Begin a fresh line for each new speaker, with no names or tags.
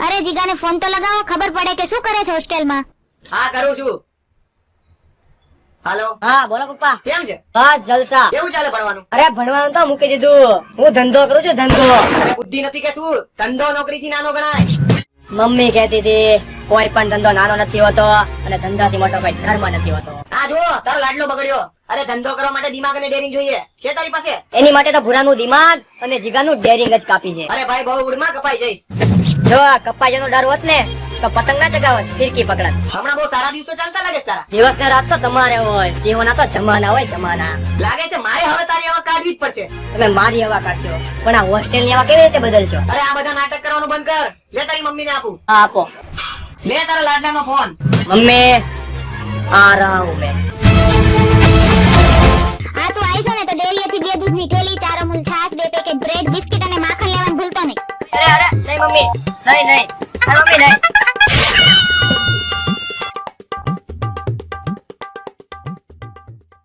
અરે જીગાને ફોન તો લગાવો, ખબર પડે કે શું કરે છે હોસ્ટેલમાં.
હા કરું છું. હાલો.
હા બોલો પપ્પા.
કેમ છે?
બસ જલસા.
કેવું ચાલે ભણવાનું?
અરે ભણવાનું તો મૂકી દીધું, હું ધંધો કરું છું ધંધો.
અરે બુદ્ધિ નથી કે શું? ધંધો નોકરી થી નાનો ગણાય.
મમ્મી કહેતી હતી કોઈ પણ ધંધો નાનો નથી હોતો અને ધંધાથી મોટો કોઈ ધર્મ નથી હોતો.
આ જો તારો લાડલો બગડ્યો. અરે ધંધો કરવા માટે દિમાગ અને ડેરિંગ જોઈએ છે તારી પાસે?
એની માટે તો ભૂરાનું દિમાગ અને જીગાનું ડેરિંગ જ કાપી છે.
અરે ભાઈ બહુ ઉડમાં કપાઈ જઈશ.
જો કપાઈ જવાનો ડર હોત ને તો પતંગ ના ચગાવત, ફિરકી પકડત.
હમણાં બહુ સારા દિવસો ચાલતા લાગે છે તારા.
દિવસ ને રાત તો તમારે હોય, સિંહોના તો જમાના હોય જમાના.
લાગે છે મારે હવે તારી હવા કાઢવી જ પડશે.
તમે મારી હવા કાઢશો પણ આ હોસ્ટેલ ની હવા કેવી રીતે બદલશો?
અરે આ બધા નાટક કરવાનું બંધ કર. લે તારી મમ્મીને આપું.
હા આપો.
લે તારા લાડલાનો ફોન.
મમ્મી આ રહા હું મેં.
આ તું આવીશો ને તો ડેરીએથી 2 દૂધની થેલી, 4 અમૂલ છાશ, 2 પેકેટ બ્રેડ, બિસ્કિટ અને માખણ લેવાનું ભૂલતો નહીં.
અરે નહીં મમ્મી, નહીં. અરે મમ્મી નહીં.